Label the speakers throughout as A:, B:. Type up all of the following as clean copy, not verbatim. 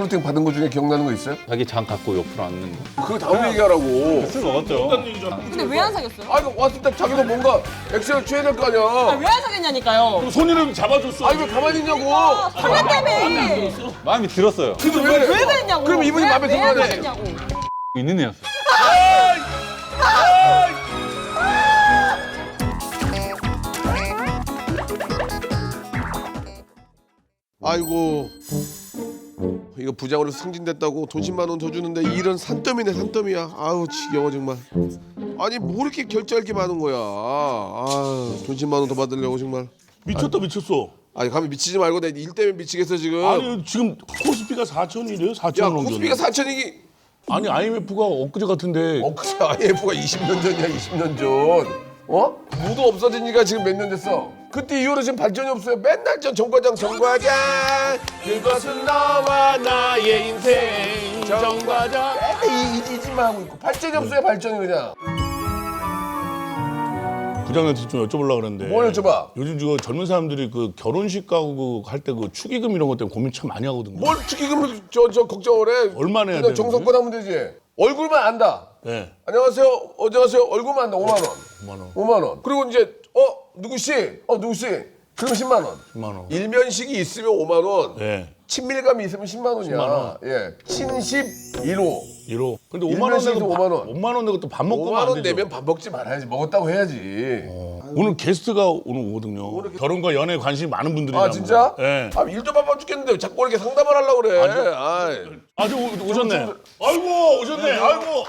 A: 소개팅 받은 거 중에 기억나는 거 있어요?
B: 자기 장 갖고 옆으로 앉는 거.
A: 그거 다음 얘기하라고.
B: 술 먹었죠.
C: 근데 왜 안 사귀었어요?
A: 아, 이거 왔을 때 자기도 뭔가 액션을 취해야 될 거 아니야.
C: 왜 안 사귀었냐니까요.
D: 손이라도 잡아줬어.
A: 아, 왜 가만히 있냐고.
C: 설레 때문에.
B: 마음이 들었어요.
A: 근데 왜?
C: 왜 그랬냐고.
A: 그럼 이분이 마음에
C: 왜 안
A: 들어하네.
C: 사귀었냐고.
B: 있는 애였어요.
A: 아이고. 이거 부장으로 승진됐다고 돈 10만 원 더 주는데 일은 산더미네 산더미야. 아우 지겨워 정말. 아니 뭐 이렇게 결제할 게 많은 거야. 돈 10만 원 더 받으려고 정말.
D: 미쳤다 미쳤어.
A: 아니 가면 미치지 말고 내 일 때문에 미치겠어 지금.
D: 아니 지금 코스피가 4천이래요. 4천
A: 야
D: 원
A: 코스피가
D: 정도.
A: 4천이기.
D: 아니 IMF가 엊그제 같은데.
A: 그치 IMF가 20년 전이야 20년 전. 어? 무도 없어진 지가 지금 몇 년 됐어. 그때 이후로 지금 발전이 없어요. 맨날 정과장 그것은 너와 나의 인생 정과장 이지만 하고 있고 발전이 없어요 발전이 그냥.
D: 부장한테 좀 여쭤보려고 그랬는데.
A: 뭘 여쭤봐?
D: 요즘 지금 젊은 사람들이 그 결혼식 가고 할 때 그 축의금 이런 것 때문에 고민 참 많이 하거든요.
A: 뭘 축의금을 저 걱정을 해.
D: 얼마나 해야
A: 그냥
D: 되는데?
A: 정성껏 하면 되지. 얼굴만 안다.
D: 네.
A: 안녕하세요. 안녕하세요. 얼굴만 안다. 5만 원.
D: 5만 원.
A: 5만 원. 그리고 이제 누구씨? 누구씨? 그럼 10만 원.
D: 10만 원.
A: 일면식이 있으면 5만 원.
D: 네.
A: 친밀감이 있으면 10만 원이야.
D: 10만 원.
A: 예. 친십 1호.
D: 1호. 근데 5만 원
A: 일면식에서
D: 내고
A: 5만 원.
D: 5만 원 내고 또 밥 먹고
A: 5만
D: 가면 안
A: 원
D: 되죠.
A: 내면 밥 먹지 말아야지. 먹었다고 해야지.
D: 오늘 게스트가 오늘 오거든요. 결혼과 연애에 관심이 많은 분들이라고.
A: 아 진짜?
D: 네.
A: 일도 바빠 죽겠는데 왜 자꾸 이렇게 상담을 하려고 그래. 아이.
D: 아주 오셨네. 아이고 오셨네. 아이고.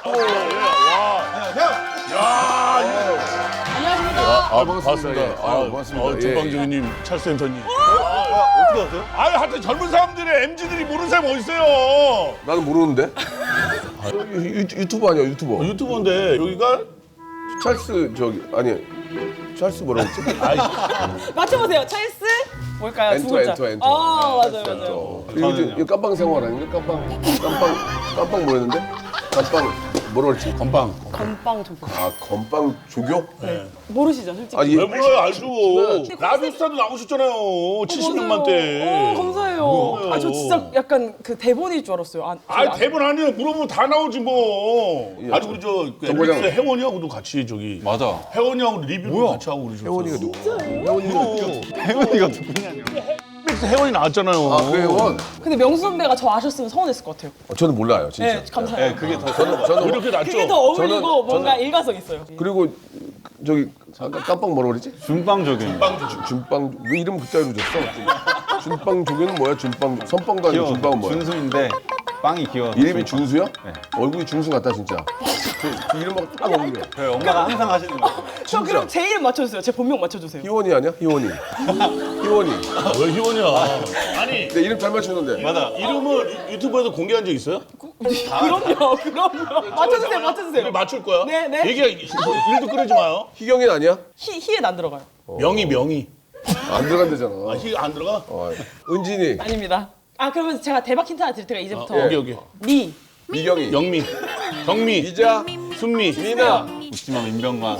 A: 안녕하십니까.
D: 반갑습니다.
A: 예. 반갑습니다. 예.
D: 전방주님, 찰센터님.
A: 어떻게 아세요?
D: 하여튼 젊은 사람들의 MZ들이 모르는 사람이 어디 있어요?
A: 나는 모르는데. 유튜버 아니야 유튜버.
D: 유튜버인데 여기가
A: 찰스 아니 찰스 뭐라고 했지?
C: 맞춰보세요. 찰스? 뭘까요? 두 글자.
A: 엔터.
C: 맞아요.
A: 이거 깜빵 생활 아닌가? 깜빵 뭐였는데? 뭐라 그랬지?
D: 건빵.
C: 건빵 조교.
A: 건빵 조교?
C: 모르시죠, 솔직히?
D: 왜 몰라요? 알죠. 라디오스타도 나오셨잖아요. 70년만 때.
C: 감사해요.
D: 뭐예요?
C: 저 진짜 약간 그 대본일 줄 알았어요.
D: 대본 아니에요. 물어보면 다 나오지 뭐.
A: 예.
D: 아주 우리 저
A: 정과장.
D: MBC 혜원이하고도 같이 저기.
B: 맞아.
D: 혜원이하고 리뷰도 같이 하고 그러셨어요.
A: 혜원이가 누구?
B: 혜원이가 누구냐뇨.
D: MBC 혜원이 나왔잖아요.
A: 그 혜원?
C: 근데 명수 선배가 저 아셨으면 서운했을 것 같아요.
A: 저는 몰라요 진짜.
C: 네, 감사해요.
B: 그게 더
A: 저는
D: 이렇게 낫죠?
C: 그게 더 어울리고
A: 저는-
C: 뭔가 일가성 있어요.
A: 그리고 저기 아까 깜빵 뭐라 그랬지?
B: 준빵 적용.
A: 준빵 왜 이름 그따위로 줬어? 준빵 조교는 뭐야? 준빵 선빵도 아니고 준빵은 뭐야?
B: 준수인데 빵이 귀여워서.
A: 이름이 중수야?
B: 네.
A: 얼굴이 중수 같다 진짜. 그 이름하고 딱 어울려.
B: 저희 엄마가 항상 하시는 거.
C: 저 그럼 제 이름 맞춰주세요. 제 본명 맞춰주세요.
A: 희원이 아니야? 희원이. 희원이.
D: 왜 희원이야? 아니
A: 내 이름 잘 맞추는데.
B: 맞아.
D: 이름을 유튜브에서 공개한 적 있어요?
C: 그럼요. 맞춰주세요. 맞춰주세요.
D: 맞출 거야?
C: 네, 네.
D: 얘기가 일도 끄지 마요.
A: 희경이 아니야?
C: 희엔 안 들어가요.
D: 명희.
A: 안 들어간대잖아.
D: 희 안 들어가?
A: 은진이.
C: 아닙니다. 그러면 제가 대박 힌트 하나 드릴 테니까 이제부터
D: 여기.
C: 미.
A: 미경이.
D: 영미, 경미,
A: 이자.
D: 순미,
A: 미나.
B: 웃지마 민병관.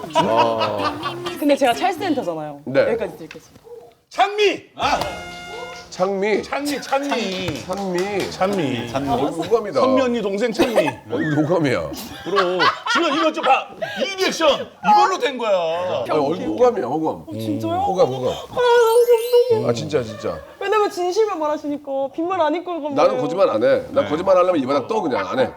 C: 근데 제가 찰스 센터잖아요.
A: 네.
C: 여기까지 드리겠습니다.
D: 찬미.
A: 창미.
D: 찬미.
A: 찬미. 호감이다.
D: 선미 언니 동생 찬미.
A: 이거 호감이야.
D: 그럼 지금 이거 좀 봐. 이 리액션 이걸로 된 거야.
A: 얼굴 호감이야 호감.
C: 진짜요?
A: 호감.
C: 너무 감동이에요.
A: 진짜.
C: 왜냐면 진실만 말하시니까 빈말 안 입고 그런
A: 나는 거짓말 안 해. 나 거짓말 하려면 이 바닥 떠 그냥 안 해.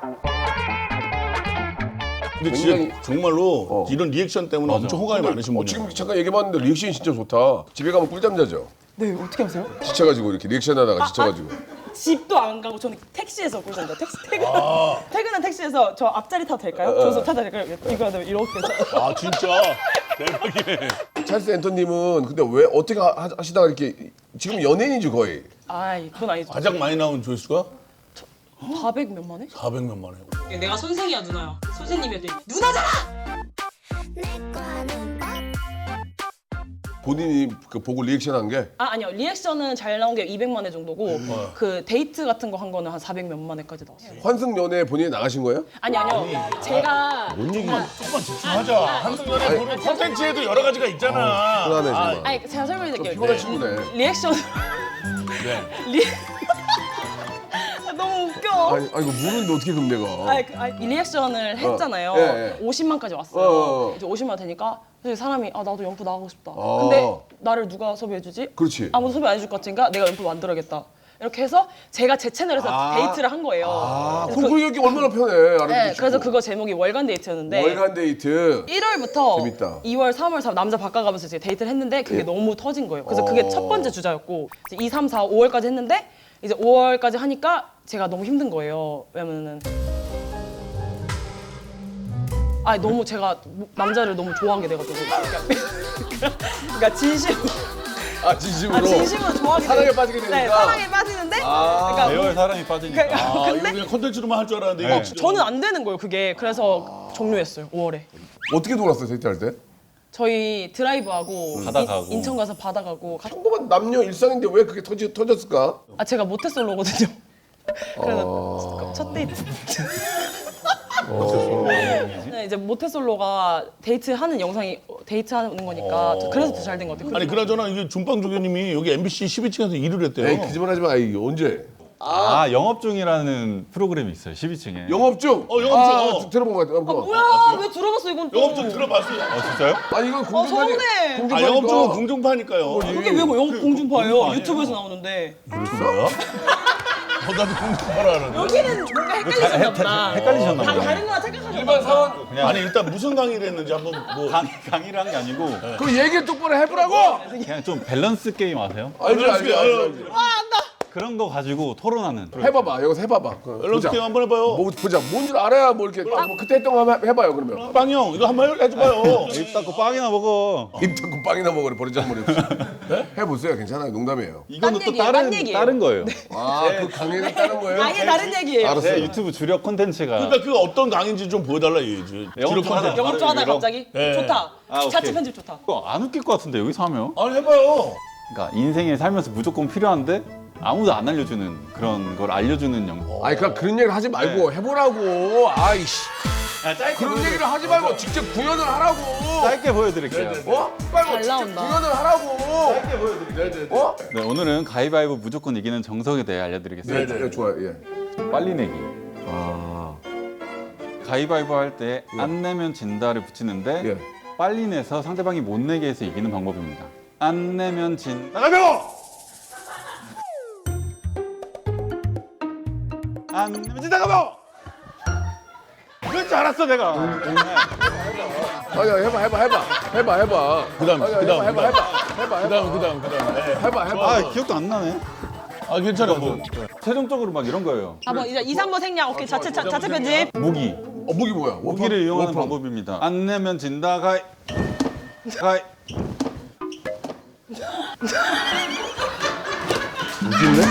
D: 근데 진짜
A: 굉장히-
D: 정말로 이런 리액션 때문에 엄청 호감이 많으신 분이에요.
A: 지금 잠깐 얘기해봤는데 리액션이 진짜 좋다. 집에 가면 꿀잠 자죠.
C: 네, 어떻게 하세요?
A: 지쳐가지고 이렇게 리액션하다가 지쳐가지고.
C: 집도 안 가고 저는 택시에서 꿀잠자. 퇴근한 택시에서 저 앞자리 타도 될까요? 저서 타도 될까요? 이거 하면 이렇게
D: 아 진짜 대박이네.
A: 찰스 앤터님은 근데 왜 어떻게 하시다가 이렇게 지금 연예인이죠 거의.
C: 그건 아니죠.
D: 가장 많이 나온 조회수가
C: 400 몇만 회?
D: 400몇만 회.
E: 내가 선생이야 누나야. 선생님이야 돼. 누나잖아.
A: 본인이 그 보고 리액션한 게
C: 아니요. 리액션은 잘 나온 게 200만 회 정도고 그 데이트 같은 거 한 거는 한 400 몇만 회까지 나왔어요.
A: 환승 연애에 본인이 나가신 거예요?
C: 아니요. 제가
D: 조금만 집중하자. 한국연애 보는 콘텐츠에도 여러 가지가 있잖아.
A: 불안해 정말.
C: 제가 설명해 드릴게요.
A: 피곤한 친구네.
C: 리액션
D: 네.
C: 리... 웃겨.
A: 아니 이거 모르는데 어떻게 그럼 내가?
C: 이 리액션을 했잖아요.
A: 예, 예.
C: 50만까지 왔어요. 이제 50만 되니까 사실 사람이 나도 연프 나가고 싶다. 근데 나를 누가 섭외해주지?
A: 그렇지.
C: 아무도 섭외 안 해줄 것 같으니까 내가 연프 만들어야겠다. 이렇게 해서 제가 제 채널에서 데이트를 한 거예요.
A: 그럼 그 얘기 얼마나 편해. 알아듣기
C: 네,
A: 쉽고.
C: 그래서 그거 제목이 월간 데이트였는데
A: 월간 데이트.
C: 1월부터
A: 재밌다.
C: 2월, 3월, 4월 남자 바꿔가면서 이제 데이트를 했는데 그게 너무 터진 거예요. 그래서 그게 첫 번째 주자였고 이제 2, 3, 4, 5월까지 했는데 이제 5월까지 하니까 제가 너무 힘든 거예요. 왜냐면은 너무 제가 남자를 너무 좋아한 게 돼가지고 그러니까
A: 진심으로.
C: 진심으로 좋아하게
A: 사랑에
C: 돼.
A: 빠지게 되니까.
C: 네, 사랑에 빠지는데 그러니까
B: 배우의 사람이 빠지니까.
C: 그러니까
D: 이거 그냥 콘텐츠로만 할 줄 알았는데 이거 진짜.
C: 저는 안 되는 거예요. 그게 그래서 종료했어요. 5월에.
A: 어떻게 놀았어 데이트할 때?
C: 저희 드라이브하고
B: 바다 가고.
C: 인천 가서 바다 가고
A: 평범한 남녀 일상인데 왜 그게 터졌을까?
C: 제가 모태솔로거든요. 그래서 첫 데이트. 네, 이제 모태솔로가 데이트하는 영상이 데이트하는 거니까 그래서 더 잘 된 것 같아요.
D: 아니 그나저나 이게 준빵 조교님이 여기 MBC 12층에서 일을 했대요.
A: 에이 거짓말 하지 마. 이게 언제?
B: 영업 중이라는 프로그램이 있어요. 12층에.
A: 영업 중.
D: 영업 중.
A: 들어본 것 같아.
C: 뭐야? 왜 들어봤어 이건 또?
D: 영업 중 들어봤어요.
B: 진짜요?
A: 아니 이건 공중파니.
C: 서운해.
D: 영업 중은 공중파니까요.
C: 그게 왜 영국 공중파예요? 유튜브에서 나오는데.
D: 뭐야? 나도 공중파라 하는데.
C: 여기는 뭔가 헷갈리셨나 보다.
B: 헷갈리셨나 보다.
C: 다른 거랑 생각하셨나
A: 일반
C: 보다.
A: 사원.
D: 아니 일단 무슨 강의를 했는지 한번 뭐.
B: 강의를 한 게 아니고
A: 그 얘기 똑바로 해보라고.
B: 그냥 좀 밸런스 게임 아세요?
A: 알지.
B: 그런 거 가지고 토론하는.
A: 해봐봐. 여기서 해봐봐.
D: 밸런스 게임 한번 해봐요.
A: 뭐 보자. 뭔지 알아야 뭐 이렇게 뭐 그때 했던 거 한번 해봐요. 그러면.
D: 빵 형 이거 한번 해줘봐요.
B: 입 닫고 빵이나 먹어.
A: 입 닫고 빵이나 먹으래 버리장머리 없이. 해보세요. 괜찮아요. 농담이에요.
B: 이거는 또
C: 얘기예요, 딴 얘기예요.
B: 다른 거예요.
A: 그 강의를 따는 거예요?
C: 아예 다른 얘기예요.
A: 알았어요.
B: 제 유튜브 주력 콘텐츠가
D: 그러니까 그 어떤 강의인지 좀 보여달라 얘기지.
B: 영업 좀 하자.
C: 영업 좀 하다 갑자기
D: 네.
C: 좋다.
B: 오케이.
C: 자체 편집 좋다.
B: 안 웃길 것 같은데 여기서 하면?
D: 아니 해봐요.
B: 그러니까 인생에 살면서 무조건 필요한데 아무도 안 알려주는 그런 걸 알려주는 영상.
A: 아니 그런 얘기를 하지 말고 해보라고. 아이씨. 그런 얘기를 하지 말고 직접 구현을 하라고.
B: 짧게 보여드릴게요.
A: 빨리
C: 잘
A: 직접
C: 나온다.
A: 구현을 하라고.
B: 네, 오늘은 가위바위보 무조건 이기는 정석에 대해 알려드리겠습니다.
A: 네, 좋아요. 예.
B: 빨리 내기. 가위바위보 할 때 안 내면 진다를 붙이는데
A: 예.
B: 빨리 내서 상대방이 못 내게 해서 이기는 방법입니다. 안 내면 진.
D: 나가요.
B: 안 내면 진다 가보. 그럴 줄 알았어 내가.
A: 아니 해봐.
D: 그다음.
B: 아 기억도 안 나네.
D: 아 괜찮아. 뭐.
B: 최종적으로 막 이런 거예요.
C: 뭐 이제 2, 3번 생략. 오케이 자체 편집.
B: 무기.
A: 무기 뭐야?
B: 무기를 이용하는
A: 워프.
B: 방법입니다. 안 내면 진다 가위.
A: 무기인데?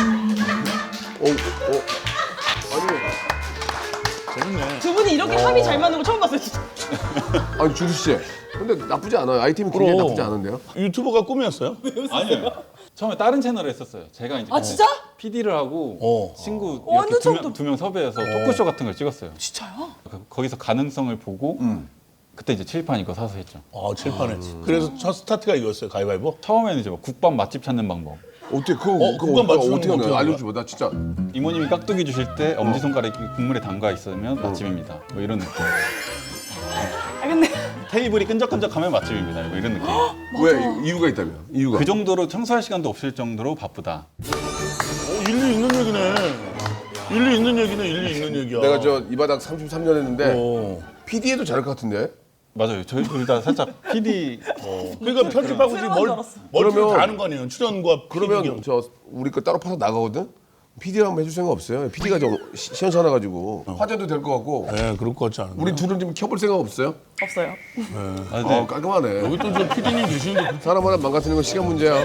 D: 재밌네.
C: 두 분이 이렇게 합이 잘 맞는 거 처음 봤어요 진짜.
A: 아니 주수 씨. 근데 나쁘지 않아요. 아이템이 굉장히
D: 그럼.
A: 나쁘지 않은데요?
D: 유튜버가 꿈이었어요?
B: 아니요. 처음에 다른 채널을 했었어요. 제가 이제
C: 진짜?
B: PD를 하고 친구
C: 완전
B: 이렇게
C: 처음
B: 두 명 섭외해서 토크쇼 같은 걸 찍었어요.
C: 진짜요?
B: 거기서 가능성을 보고 그때 이제 칠판 이거 사서 했죠.
D: 칠판에. 그래서 첫 스타트가 이거였어요. 가위바위보.
B: 처음에는 이제 막 국밥 맛집 찾는 방법.
A: 어떻게 그거
D: 그건 맞추는
A: 어떻게
D: 거
A: 하냐?
D: 어떻게
A: 알려줘봐. 나 진짜.
B: 이모님이 깍두기 주실 때 엄지손가락이 국물에 담가 있으면 맛집입니다. 뭐 이런 느낌.
C: 근데
B: 테이블이 끈적끈적하면 맛집입니다. 뭐 이런 느낌.
A: 왜 이유가 있다면? 이유가.
B: 그 정도로 청소할 시간도 없을 정도로 바쁘다.
D: 일리 있는 얘기네. 일리 있는 얘기야.
A: 내가 저 이 바닥 33년 했는데
D: 어.
A: PD에도 잘할 것 같은데.
B: 맞아요. 저희 둘 다 살짝 PD
D: 그러니까 편집하고 지금 멀티를
A: 그러면-
D: 다 하는 거 아니에요? 출연과
A: 그러면
D: PD.
A: 저 우리 거 따로 파서 나가거든. PD랑 한번 해줄 생각 없어요? PD가 좀 시원찮아가지고 화제도 될 것 같고.
D: 네, 그럴 것 같지 않은데.
A: 우리 둘은 좀 켜볼 생각 없어요?
C: 없어요.
B: 아, 네.
A: 깔끔하네.
D: 여기 또 저 PD님 계시는데
A: 사람 하나 망가뜨리는 건 시간 문제야.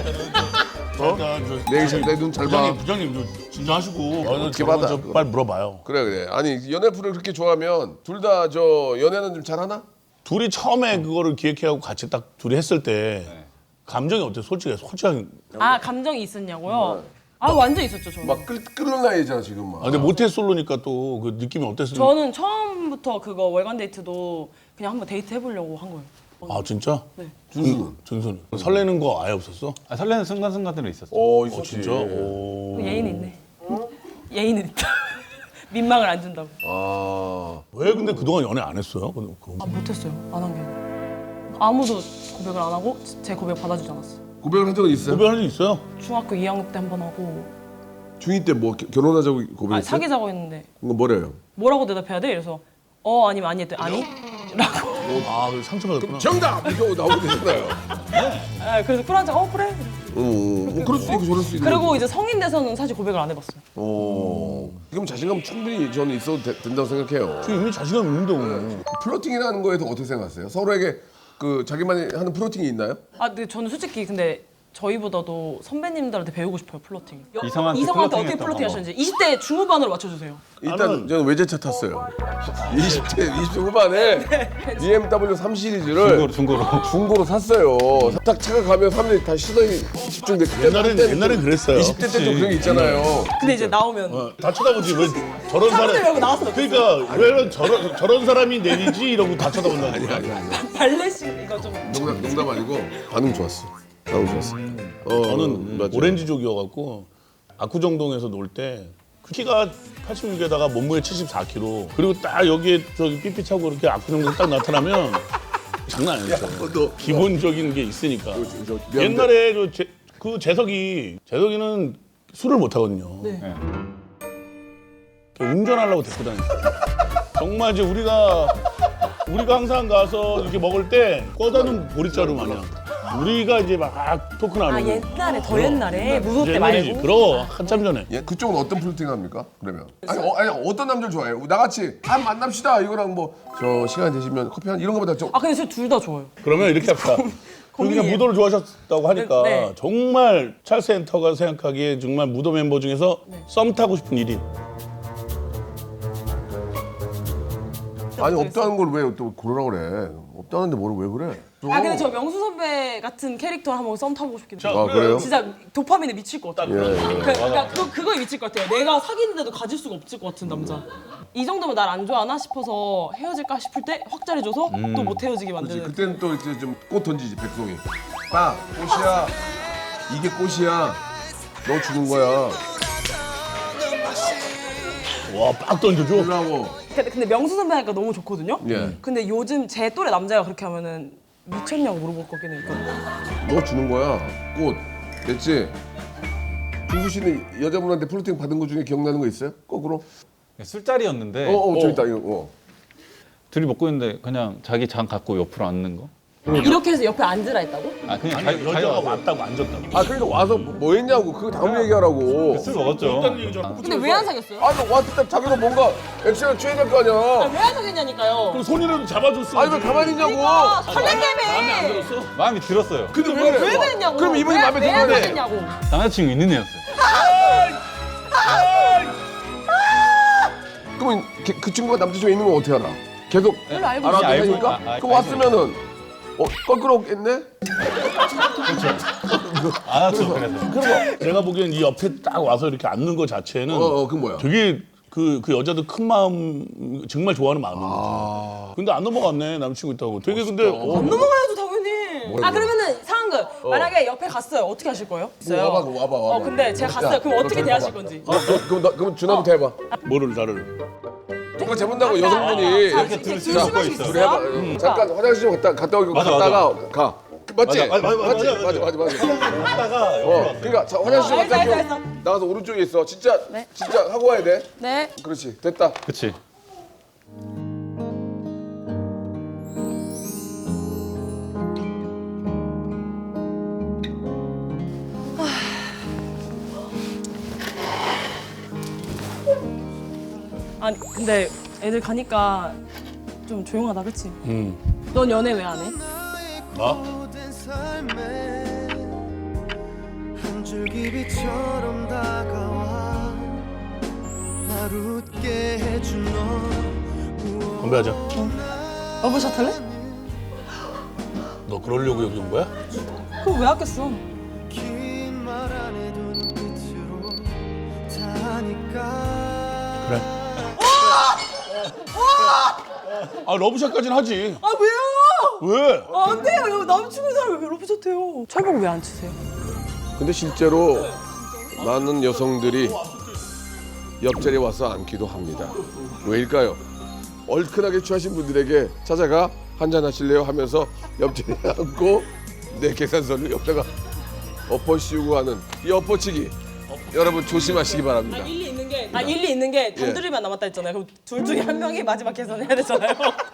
A: 내 눈 잘 봐.
D: 부장님 저 진정하시고
A: 어떻게 받아?
D: 저 빨리 물어봐요.
A: 그래. 아니 연애 프로를 그렇게 좋아하면 둘 다 저 연애는 좀 잘하나?
D: 둘이 처음에 그거를 기획해하고 같이 딱 둘이 했을 때 감정이 어때요? 솔직하게.
C: 감정이 있었냐고요? 완전 있었죠 저는.
A: 막 끓는 나이잖아 지금 막.
D: 근데 모태솔로니까 또 그 느낌이 어땠어요?
C: 저는 처음부터 그거 월간 데이트도 그냥 한번 데이트 해보려고 한 거예요.
D: 아 진짜?
C: 네.
D: 준수는 설레는 거 아예 없었어?
B: 설레는 순간순간들은 있었죠.
A: 있었지.
D: 진짜? 오.
C: 예의는 있네. 예의는 있다. 민망을 안 준다고.
A: 아.
D: 왜 근데 그동안 연애 안 했어요?
C: 아 못했어요. 안 한 게 아니라. 아무도 고백을 안 하고 제 고백 받아주지 않았어요.
A: 고백을 한 적은 있어요?
D: 고백한 적 있어요?
C: 중학교 2학년 때 한 번 하고
A: 중2 때 뭐 결혼하자고 고백했어요?
C: 사귀자고 했는데
A: 이거 뭐래요?
C: 뭐라고 대답해야 돼? 그래서 아니면 아니 했더니 아니? 라고.
D: 아, 그래서 상처받았구나.
A: 정답! 이거 나오게 되잖아요.
C: 그래서 쿨한자 그래.
A: 그럴 수도 있고 저럴 수도 있고.
C: 그리고 이제 성인 돼서는 사실 고백을 안 해봤어요.
A: 그럼 자신감 충분히 저는 있어도 된다고 생각해요.
D: 지금 이미 자신감 있는데 오늘.
A: 플러팅이라는 거에 대해서 어떻게 생각하세요? 서로에게 그 자기만이 하는 플러팅이 있나요?
C: 근데 저는 솔직히 근데 저희보다도 선배님들한테 배우고 싶어요 플러팅.
B: 이성한테
C: 어떻게
B: 플러팅했던
C: 플러팅 하시는지 20대 중후반으로 맞춰주세요.
A: 일단 저는 외제차 탔어요. 20대 후반에 BMW 3 시리즈를 중고로 샀어요. 딱 차가 가면 사람들이 다 시선이 집중돼.
D: 옛날엔 그랬어요.
A: 20대 때 좀 그런 게 있잖아요.
C: 근데 이제 나오면
D: 다 쳐다보지 왜 저런 사람.
C: 말고 나왔어.
D: 그러니까 왜 저런 사람이 내리지 이러고 다 쳐다본다.
A: 아니.
C: 발레식 이거 좀.
A: 농담 아니고 반응 좋았어. 반응 좋았어.
D: 저는
A: 맞아요.
D: 오렌지족이어갖고 압구정동에서 놀 때 키가 86에다가 몸무게 74kg 그리고 딱 여기에 저기 삐삐 차고 이렇게 압구정동 딱 나타나면 장난 아니었어요.
A: 너
D: 기본적인 게 있으니까.
A: 미안한데
D: 옛날에 재석이는 술을 못 하거든요.
C: 네.
D: 운전하려고 데리고 다녔어요. 정말 이제 우리가 항상 가서 이렇게 먹을 때 꺼다는 보리자루 마냥 우리가 이제 막 토크 나누고.
C: 옛날에 더 옛날에 무도 때
D: 옛날이지.
C: 말고.
D: 그럼 한참 전에.
A: 예, 그쪽은 어떤 플러팅 합니까? 그러면 아니 어떤 남자를 좋아해요? 나같이 만납시다 이거랑 뭐 저 시간 되시면 커피 한 이런 거보다 좀
C: 근데 저 둘 다 좋아요.
D: 그러면 이렇게 합시다. 그냥
C: 고민이에요.
D: 무도를 좋아하셨다고 하니까
C: 네.
D: 정말 찰스 엔터가 생각하기에 정말 무도 멤버 중에서 썸 타고 싶은 1위.
A: 아니 없다는 걸 왜 또 고르라 그래? 없다는데 뭐를 왜 그래?
C: 근데 저 명수 선배 같은 캐릭터 한번 썸 타보고 싶긴 해요.
A: 아 그래요?
C: 진짜 도파민에 미칠 것 같아요.
A: 예.
C: 그러니까 그거에 미칠 것 같아요. 내가 사귀는데도 가질 수가 없을 것 같은 남자. 이 정도면 날 안 좋아하나 싶어서 헤어질까 싶을 때 확 잘해줘서 또 못 헤어지게 만드는.
A: 그때는 또 이제 좀 꽃 던지지 백송이. 빠 꽃이야. 이게 꽃이야. 너 주는 거야.
D: 와, 빡 던져줘.
A: 주라고.
C: 근데 명수 선배 하니까 너무 좋거든요.
A: 예.
C: 근데 요즘 제 또래 남자가 그렇게 하면은 미쳤냐고 물어볼 거긴 해.
A: 너 주는 거야. 꽃. 됐지? 준수 씨는 여자분한테 플러팅 받은 거 중에 기억나는 거 있어요? 거꾸로?
B: 술자리였는데
A: 저기 있다 이거.
B: 둘이 먹고 있는데 그냥 자기 장 갖고 옆으로 앉는 거?
C: 이렇게 해서 옆에 앉으라 했다고?
B: 그냥
D: 여자가 왔다고 앉았다고.
A: 그러니까 와서 뭐 했냐고. 그거 다음 얘기하라고.
B: 술 먹었죠.
C: 근데 왜 안 사귀었어요?
A: 너 왔을 때 자기도 뭔가 액션을 취해야 될 거 아니야.
C: 왜 안 사귀냐니까요?
D: 그럼 손이라도 잡아줬어.
A: 왜 가만히 있냐고.
C: 설렌다며.
B: 마음이 들었어요.
A: 근데
C: 왜 그랬냐고.
A: 그럼 이분이 마음에
C: 왜안
A: 들어야 돼.
C: 사귀냐고.
B: 남자친구 있는 애였어요.
A: 그러면 그 친구가 남자친구 있는 건 어떻게 알아? 계속
C: 별로 알고
A: 알아도
B: 알고
A: 되니까?
B: 있-
A: 그럼 왔으면은 껄끄럽겠네?
B: 안 왔죠, 그래서.
D: 내가 보기엔 이 옆에 딱 와서 이렇게 앉는 거 자체는
A: 그 뭐야?
D: 되게 그 여자도 큰 마음 정말 좋아하는 마음인 근데 안 넘어갔네 남친구 있다고. 되게 근데
C: 안 넘어가야죠 당연히.
A: 뭐라고요?
C: 그러면은 상황극 만약에 옆에 갔어요. 어떻게 하실 거예요?
A: 와봐.
C: 근데 제가 갔어요. 그럼 어떻게 대하실 건지.
A: 그럼 준하부터 해봐.
D: 뭐를 나를.
A: 누가 재본다고 여성분이
B: 이렇게 둘
C: 술
B: 수
C: 마실
B: 있어.
C: 수
A: 그래 해봐.
C: 있어요?
A: 잠깐 화장실 좀 갔다 오고
B: 맞아,
A: 갔다가 가. 맞지?
B: 맞아.
A: 맞아. 그러니까 자, 화장실 좀 갔다
C: 알겠어.
A: 오고 나가서 오른쪽에 있어. 진짜 하고 와야 돼.
C: 네.
A: 그렇지. 됐다.
B: 그치.
C: 아니 근데 애들 가니까 좀 조용하다 그치? 넌 연애 왜 안 해?
D: 나?
F: 한 줄기비처럼 다가와 날 웃게 해준 너
D: 건배하자.
C: 러브샷 할래?
D: 너 그러려고 여기 온 거야?
C: 그럼 왜 아꼈어?
F: 긴 말 안 해도 눈빛으로 다 하니까
D: 그래. 러브샷까지는 하지.
C: 아 왜요?
D: 왜?
C: 안 돼요. 여기 남친구 사람 왜 러브샷 해요? 철봉 왜 안 치세요?
A: 근데 실제로 많은 여성들이 옆자리에 와서 앉기도 합니다. 왜일까요? 얼큰하게 취하신 분들에게 찾아가 한잔 하실래요 하면서 옆자리에 앉고 내 계산서를 옆에다가 엎어 씌우고 하는 이 엎어치기 여러분 조심하시기 바랍니다.
C: 일리 있는 게 단둘이만 남았다 했잖아요. 그럼 둘 중에 한 명이 마지막 계산해야 되잖아요.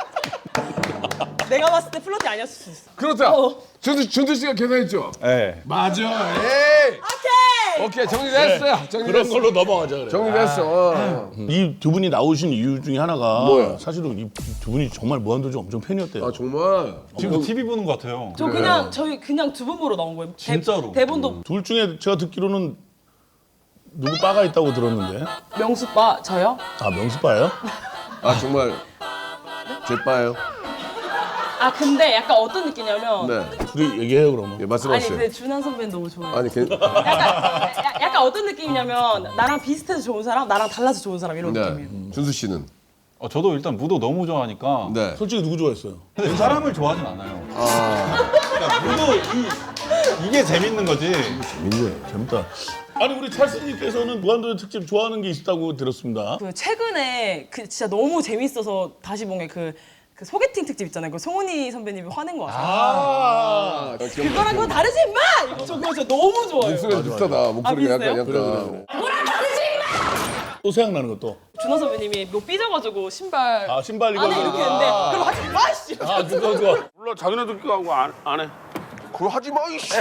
C: 내가 봤을 때 플러팅 아니었을 수 있어.
A: 그렇다. 준수 씨가 계산했죠?
B: 네.
A: 맞아. 에이. 오케이 정리됐어요.
D: 그런
A: 정리됐어.
D: 걸로 넘어가자 그래.
A: 정리됐어.
D: 이 두 분이 나오신 이유 중에 하나가
A: 뭐야?
D: 사실은 이 두 분이 정말 무한도전 엄청 팬이었대요.
A: 아 정말.
B: 지금도 TV 보는 것 같아요.
C: 저 저희 그냥 두 분 보러 나온 거예요.
B: 진짜로.
C: 대본도
D: 둘 중에 제가 듣기로는 누구 바가 있다고 들었는데.
C: 명수빠 저요?
D: 아 명수바예요?
A: 아 정말 제빠예요.
C: 아 근데 약간 어떤 느낌이냐면
A: 네.
D: 둘이 얘기해요 그러면.
A: 예,
C: 아니
A: 말씀하세요.
C: 근데 준한 선배는 너무 좋아요.
A: 아니
C: 약간 어떤 느낌이냐면 나랑 비슷해서 좋은 사람, 나랑 달라서 좋은 사람 이런 느낌이에요.
A: 네. 준수 씨는
B: 저도 일단 무도 너무 좋아하니까.
A: 네.
D: 솔직히 누구 좋아했어요?
B: 근데 사람을 좋아하진 않아요.
A: 아
B: 그러니까 무도 이게 재밌는 거지.
D: 재밌다. 아니 우리 찰스님께서는 무한도전 특집 좋아하는 게 있다고 들었습니다.
C: 그 최근에 그 진짜 너무 재밌어서 다시 본 게 그 소개팅 특집 있잖아요. 그 송은이 선배님이 화낸 거 아세요?
A: 아,
C: 그거랑 그거 다르지 임마! 저 그거 진짜 너무 좋아요.
A: 목소리가 비슷하다. 목소리가
C: 비슷해요?
A: 약간.
D: 또 생각나는 것도.
C: 준하 선배님이 뭐 삐져가지고 신발
D: 아 신발 이거.
C: 안에 이렇게 했는데 그럼 하지 마! 씨!
D: 아 그거. 몰라 자기네들 끼고 안 해.
A: 그거 하지 마 이씨.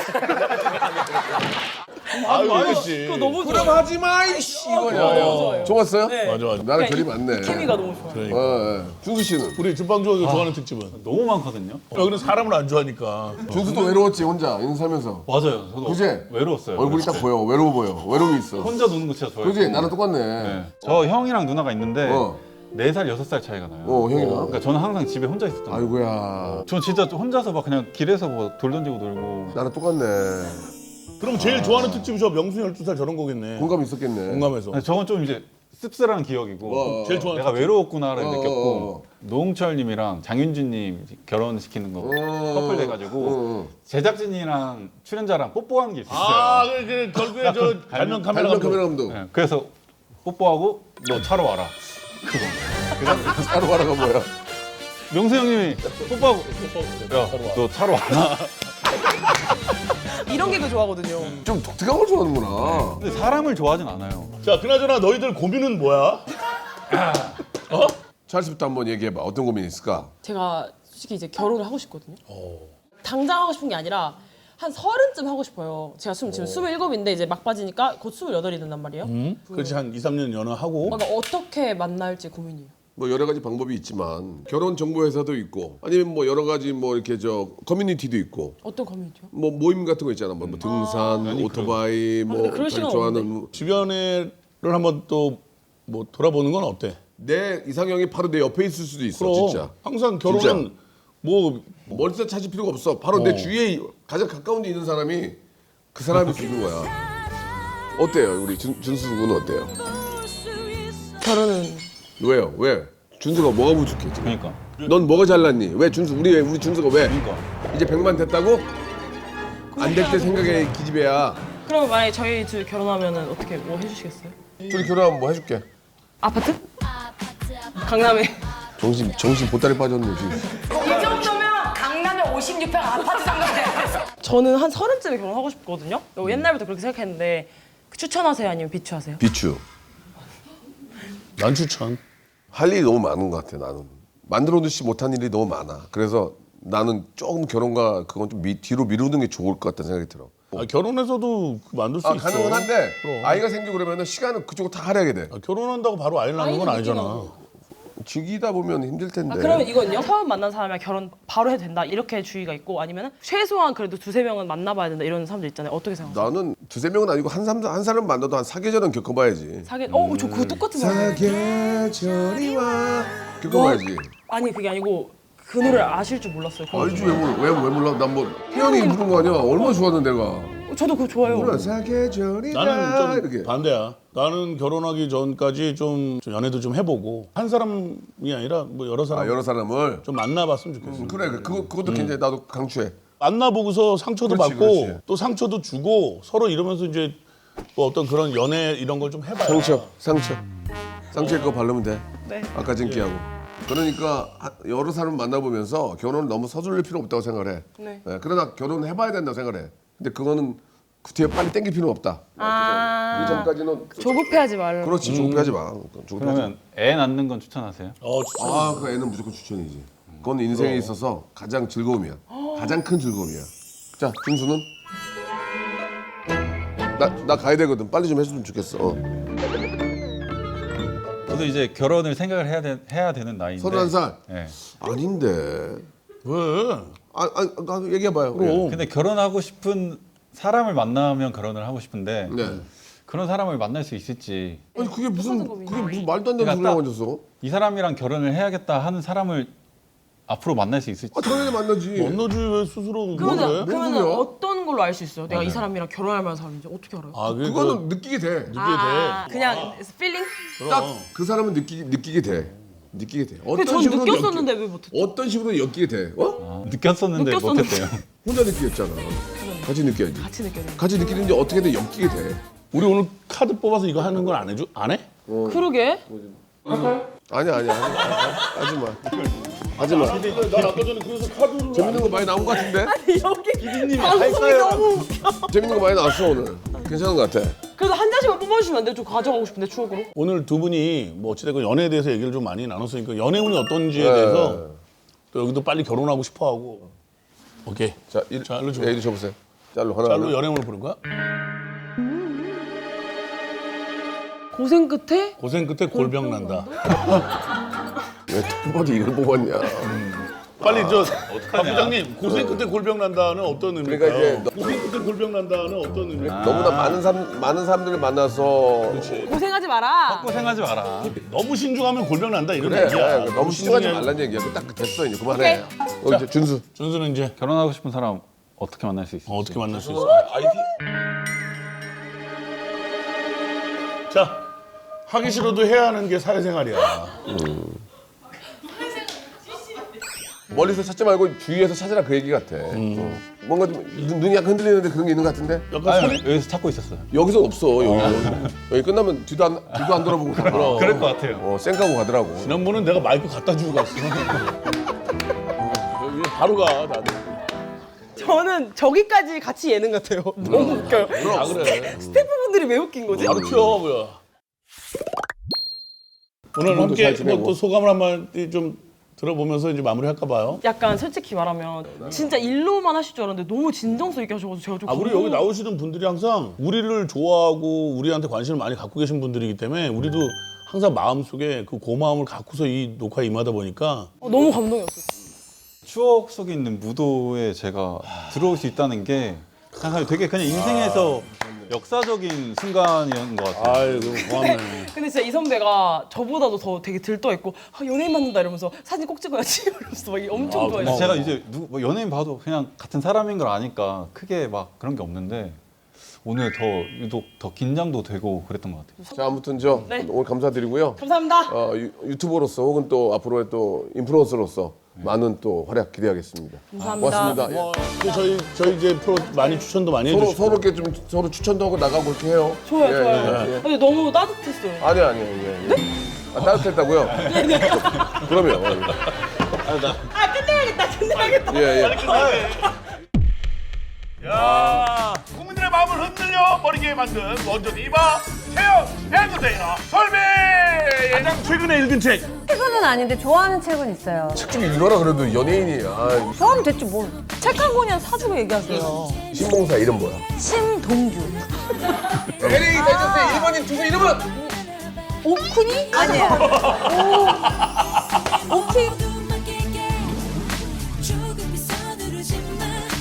D: 아유 씨.
C: 그거 너무
A: 그럼
C: 좋아요.
A: 하지 마 이씨 이거냐.
C: 좋아요.
A: 좋았어요?
C: 네.
D: 맞아 맞아.
A: 나랑 결이
C: 그러니까
A: 많네.
C: 케미가 너무 좋아요.
D: 그러니까.
A: 어, 예. 준수 씨는?
D: 우리 준방주가 좋아하는 특집은.
B: 너무 많거든요.
D: 여기는 사람을 안 좋아하니까.
A: 준수도 외로웠지 혼자 인사하면서.
B: 맞아요. 저도
A: 그지?
B: 외로웠어요.
A: 얼굴이 딱 보여. 외로워 보여. 외로움이 있어.
B: 혼자 노는 거 진짜 좋아해요.
A: 그지? 나랑 똑같네.
B: 네. 저 형이랑 누나가 있는데
A: 어.
B: 4살, 6살 차이가 나요.
A: 형이랑.
B: 그러니까 저는 항상 집에 혼자 있었던 거예요.
A: 아이고야.
B: 전 진짜 혼자서 막 그냥 길에서 뭐 돌 던지고 놀고.
A: 나랑 똑같네.
D: 그럼 제일 좋아하는 특집이 저 명수 12살 저런 거겠네.
A: 공감 있었겠네.
D: 공감해서.
B: 근데 저건 좀 이제 씁쓸한 기억이고
D: 제일 좋아하는
B: 내가 외로웠구나를
A: 어,
B: 느꼈고 노홍철님이랑 장윤주님 결혼시키는 거 커플 돼가지고 제작진이랑 출연자랑 뽀뽀하는 게 있었어요.
D: 아, 그 결국에 저 발명 카메라
A: 발명
D: 감독.
A: 카메라 감독.
B: 네, 그래서 뽀뽀하고 너 차로 와라.
A: 차로 가라가 뭐야?
B: 명수 형님이 뽀뽀하고 야 너 차로 와라.
C: 이런 개그 좋아하거든요.
A: 좀 독특한 걸 좋아하는구나.
B: 근데 사람을 좋아하진 않아요.
D: 자, 그나저나 너희들 고민은 뭐야? 어?
A: 찰스부터 한번 얘기해봐. 어떤 고민이 있을까?
C: 제가 솔직히 이제 결혼을 하고 싶거든요. 당장 하고 싶은 게 아니라 한 30쯤 하고 싶어요. 제가 지금 27인데 이제 막바지니까 곧 28이 된단 말이에요.
D: 그렇지 한 2, 3년 연애하고.
C: 그러니까 어떻게 만날지 고민이에요.
A: 뭐 여러 가지 방법이 있지만 결혼 정보 회사도 있고 아니면 뭐 여러 가지 뭐 이렇게 저 커뮤니티도 있고
C: 어떤 고민이죠?
A: 뭐 모임 같은 거 있잖아. 뭐 등산, 오토바이, 뭐
C: 근데 그럴
A: 자기
C: 시간
A: 좋아하는
D: 주변에를 한번 또 뭐 돌아보는 건 어때?
A: 내 이상형이 바로 내 옆에 있을 수도 있어.
D: 그럼
A: 진짜.
D: 항상 결혼은
A: 진짜.
D: 뭐
A: 멀리서 찾을 필요가 없어. 바로 내 주위에 가장 가까운 데 있는 사람이 그 사람일 수 있는 거야. 어때요? 우리 준수 군은 어때요?
C: 결혼은
A: 왜요? 왜? 준수가 뭐가 부족해 지금?
B: 그러니까.
A: 넌 뭐가 잘났니? 왜 준수 우리 준수가 왜?
B: 그러니까.
A: 이제 100만 됐다고? 안 될 때 생각에 기집애야.
C: 그럼 만약에 저희 둘 결혼하면은 어떻게 뭐 해주시겠어요?
A: 둘이 결혼하면 뭐 해줄게.
C: 아파트? 강남에
A: 정신 보따리 빠졌네 지금.
G: 이 정도면 강남에 56평 아파트 정도 돼.
C: 저는 한 30쯤에 결혼하고 싶거든요. 옛날부터 그렇게 생각했는데 추천하세요 아니면 비추하세요?
A: 비추.
D: 난 추천.
A: 할 일이 너무 많은 것 같아 나는. 만들어두지 못한 일이 너무 많아. 그래서 나는 조금 결혼과 그건 좀 뒤로 미루는 게 좋을 것 같다는 생각이 들어.
D: 아, 결혼해서도 만들 수 있어.
A: 가능은 한데
D: 그럼.
A: 아이가 생기고 그러면은 시간은 그쪽으로 다 할애하게 돼.
D: 아, 결혼한다고 바로 아이를 낳는 건 아니잖아.
A: 즐기다 보면 힘들 텐데.
C: 그러면 이건요? 처음 만난 사람이랑 결혼 바로 해도 된다 이렇게 주의가 있고 아니면 최소한 그래도 2-3명은 만나봐야 된다 이런 사람들 있잖아요. 어떻게 생각하세요?
A: 나는 2-3명은 아니고 한 사람 만나도 한 4계절은 겪어봐야지.
C: 저 그거 똑같은 말이에요.
A: 사계절이 와. 겪어봐야지.
C: 아니 그게 아니고 그 노래를 아실 줄 몰랐어요.
A: 알지 왜 몰라? 난 뭐 태연이 부른 거 아니야? 얼마나 좋았는데 내가.
C: 저도 그거 좋아요.
A: 몰라 사계절이
D: 나는 좀
A: 이렇게.
D: 반대야. 나는 결혼하기 전까지 좀 연애도 좀 해보고 한 사람이 아니라 뭐 여러 사람
A: 여러 사람을.
D: 좀 만나봤으면 좋겠어.
A: 그래 그것도 굉장히 나도 강추해.
D: 만나보고서 상처도
A: 그렇지,
D: 받고
A: 그렇지.
D: 또 상처도 주고 서로 이러면서 이제 뭐 어떤 그런 연애 이런 걸 좀 해봐야.
A: 상처. 쌍꺼풀 그거 바르면 돼.
C: 네.
A: 아까 찐기하고. 그러니까 여러 사람을 만나보면서 결혼을 너무 서두를 필요 없다고 생각을 해.
C: 네.
A: 그러나 결혼을 해봐야 된다고 생각을 해. 근데 그거는 그 뒤에 빨리 땡길 필요는 없다.
C: 아.
A: 그 전까지는
C: 조급해하지 말고.
A: 그렇지 조급해하지 마. 조급해하지 마.
B: 그러면 애 낳는 건 추천하세요?
D: 추천.
A: 아, 그 애는 무조건 추천이지. 그건 인생에 있어서 가장 즐거움이야. 가장 큰 즐거움이야. 자, 준수는? 나 가야 되거든. 빨리 좀 해줬으면 좋겠어.
B: 저도 이제 결혼을 생각을 해야 되는 나이인데.
A: 31살?
B: 네.
A: 아닌데.
D: 왜?
A: 얘기해봐요.
D: 그럼.
B: 근데 결혼하고 싶은 사람을 만나면 결혼을 하고 싶은데
A: 네.
B: 그런 사람을 만날 수 있을지.
A: 아니 그게 무슨 말도 안 되는
B: 그러니까
A: 소리라고
B: 딱-
A: 앉았어?
B: 이 사람이랑 결혼을 해야겠다 하는 사람을 앞으로 만날 수 있을지.
A: 당연히 만나지.
D: 만나지 왜 스스로 그래?
C: 그러면
A: 소리야?
C: 어떤 걸로 알 수 있어요? 내가 이 사람이랑 결혼할 만한 사람인지 어떻게 알아요?
D: 아,
A: 그거는 느끼게 돼.
D: 느끼게
C: 그냥 필링?
A: 딱 그 사람은 느끼게 돼. 느끼게 돼.
C: 근데 전 느꼈었는데 왜 못했죠?
A: 어떤 식으로 엮이게 돼?
B: 느꼈었는데 못했대요.
A: 혼자 느끼겠잖아. 같이 느껴야지.
C: 같이 느껴요.
A: 같이 느끼는데 어떻게든 엮이게 돼.
D: 우리 오늘 카드 뽑아서 이거 하는 건 안 해줘? 안 해?
C: 그러게.
A: 아니야. 하지 마. 하지 마.
D: 난 아까 전에 그래서 카드를
A: 재밌는 거 많이 나온 것 같은데?
C: 여기 방송이 너무 웃겨.
A: 재밌는 거 많이 나왔어 오늘. 괜찮은 것 같아.
C: 그래서 한 잔씩만 뽑아주시면 안 돼요? 좀 가져가고 싶은데 추억으로.
D: 오늘 두 분이 뭐 어찌됐건 연애에 대해서 얘기를 좀 많이 나눴으니까 연애 운이 어떤지에 대해서 또 여기도 빨리 결혼하고 싶어하고 오케이
A: 자,
D: 일로 줘.
A: 이리 줘보세요. 짤로 하나.
D: 짤로 연애 운을 부른 거야?
C: 고생 끝에
D: 고생 끝에 골병 난다.
A: 왜 톱버디 이걸 뽑았냐?
D: 빨리 박 부장님 고생 끝에 골병 난다는 어떤 의미일까요?
A: 그러니까 이제
D: 고생 끝에 골병 난다는 어떤 의미일까요?
A: 너무나 많은 사람들을 만나서
C: 고생하지 마라.
B: 고생하지 마라.
D: 너무 신중하면 골병 난다 이런
A: 그래.
D: 얘기야.
A: 너무 신중하지 말란 얘기야. 딱 됐어 이제 그만해. 이제 준수.
D: 준수는 이제
B: 결혼하고 싶은 사람 어떻게 만날 수 있을지.
D: 어떻게 만날 수 있어? 자, 하기 싫어도 해야 하는 게 사회생활이야.
A: 멀리서 찾지 말고 주위에서 찾으라 그 얘기 같아. 뭔가 좀 눈이 약간 흔들리는데 그런 게 있는 것 같은데?
D: 약간 소리?
B: 여기서 찾고 있었어요.
A: 여기서 없어. 여기 끝나면 뒤도 안 돌아보고 가.
B: 그럴 것 같아요.
A: 쌩까고 가더라고.
D: 지난번은 내가 마이크 갖다 주고 갔어. 여기 바로 가, 나도.
C: 저는 저기까지 같이 예능 같아요. 너무 웃겨요.
D: 아, 그래.
C: 스태프분들이 왜 웃긴 거지?
D: 바로 튀어, 뭐야. 오늘
A: 잘
D: 함께
A: 지내고.
D: 뭐 또 소감을 한번 좀 들어보면서 이제 마무리할까 봐요.
C: 약간 솔직히 말하면 진짜 일로만 하실 줄 알았는데 너무 진정성 있게 하셔가지고 제가 좀
D: 우리 여기 나오시는 분들이 항상 우리를 좋아하고 우리한테 관심을 많이 갖고 계신 분들이기 때문에 우리도 항상 마음속에 그 고마움을 갖고서 이 녹화에 임하다 보니까
C: 너무 감동이었어요.
B: 추억 속에 있는 무도에 제가 들어올 수 있다는 게 항상 되게 그냥 인생에서 역사적인 순간이었던 것 같아요.
D: 아이고 고맙네.
C: 근데 진짜 이 선배가 저보다도 더 되게 들떠있고 연예인 만난다 이러면서 사진 꼭 찍어야지 이러면서 막 엄청
D: 고마워.
C: 좋아해요.
B: 제가 이제 뭐 연예인 봐도 그냥 같은 사람인 걸 아니까 크게 막 그런 게 없는데 오늘 더 유독 더 긴장도 되고 그랬던 것 같아요.
A: 자 아무튼
C: 네.
A: 오늘 감사드리고요.
C: 감사합니다.
A: 유튜버로서 혹은 또 앞으로의 또 인플루언서로서 많은 또 활약 기대하겠습니다.
C: 감사합니다.
A: 고맙습니다.
D: 뭐 저희 이제 프로 많이 추천도 많이 해주시고
A: 서로 이렇게 좀 서로 추천도 하고 나가고 그렇게 해요.
C: 좋아요,
A: 예,
C: 좋아요.
A: 예, 예.
C: 근데 너무 따뜻했어요.
A: 아니요. 네? 따뜻했다고요? 그러면.
C: 끝내야겠다.
A: 예.
H: 야, 국민들의 마음을 흔들려 버리게 만든 원전 이바 체험 엔터테이너 설비 가장 최근에 읽은 책
I: 책은 아닌데 좋아하는 책은 있어요.
A: 책 좀 읽어라 그래도 연예인이.
I: 좋아하면 됐지 뭐. 책 한 권이나 사주고 얘기하세요.
A: 신봉사 이름 뭐야?
I: 심동주.
A: LA 다이저스의 1번인 투수 이름은?
I: 오쿠니? 아니야. 오키?